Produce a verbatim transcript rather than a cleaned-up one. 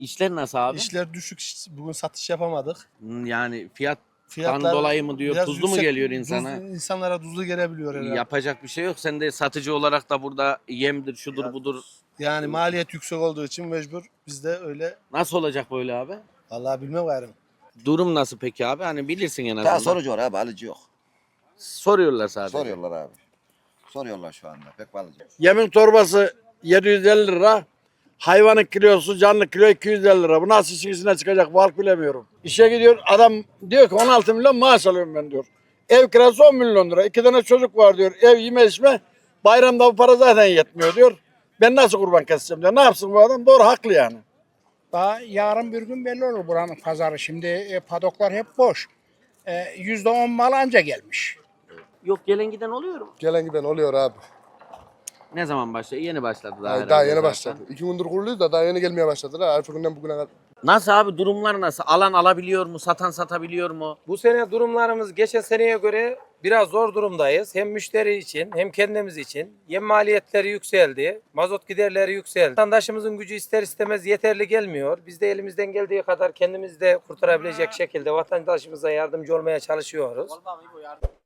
İşler nasıl abi? İşler düşük. Bugün satış yapamadık. Hmm, Yani fiyattan Fiyatlar dolayı mı diyor, biraz tuzlu mu yüksek, geliyor insana? Tuzlu, insanlara tuzlu gelebiliyor herhalde. Yapacak bir şey yok. Sen de satıcı olarak da burada yemdir, şudur budur. Yani maliyet yüksek olduğu için mecbur biz de öyle. Nasıl olacak böyle abi? Vallahi bilmem gayrı. Durum nasıl peki abi? Hani bilirsin en Daha azından. sorucu var abi, alıcı yok. Soruyorlar sadece. Soruyorlar abi. Soruyorlar şu anda, pek alıcı yok. Yemin torbası yedi yüz elli lira. Hayvanın kilosu, canlı kilo iki yüz elli lira. Bu nasıl işin çıkacak fark bilemiyorum. İşe gidiyor adam diyor ki on altı milyon maaş alıyorum ben diyor. Ev kirası on milyon lira. İki tane çocuk var diyor. Ev yeme içme. Bayramda bu para zaten yetmiyor diyor. Ben nasıl kurban keseceğim diyor. Ne yapsın bu adam? Doğru haklı yani. Daha yarın bir gün belli olur buranın pazarı. Şimdi e, padoklar hep boş. E, yüzde on mal anca gelmiş. Yok gelen giden oluyor mu? Gelen giden oluyor abi. Ne zaman başladı? Yeni başladı daha. Daha, herhalde daha yeni zaten. başladı. İki gündür kuruluyuz da daha yeni gelmeye başladılar. Arka günden bugüne kadar. Nasıl abi, durumlar nasıl? Alan alabiliyor mu? Satan satabiliyor mu? Bu sene durumlarımız geçen seneye göre biraz zor durumdayız. Hem müşteri için hem kendimiz için. Yem maliyetleri yükseldi. Mazot giderleri yükseldi. Vatandaşımızın gücü ister istemez yeterli gelmiyor. Biz de elimizden geldiği kadar kendimizi de kurtarabilecek şekilde vatandaşımıza yardımcı olmaya çalışıyoruz.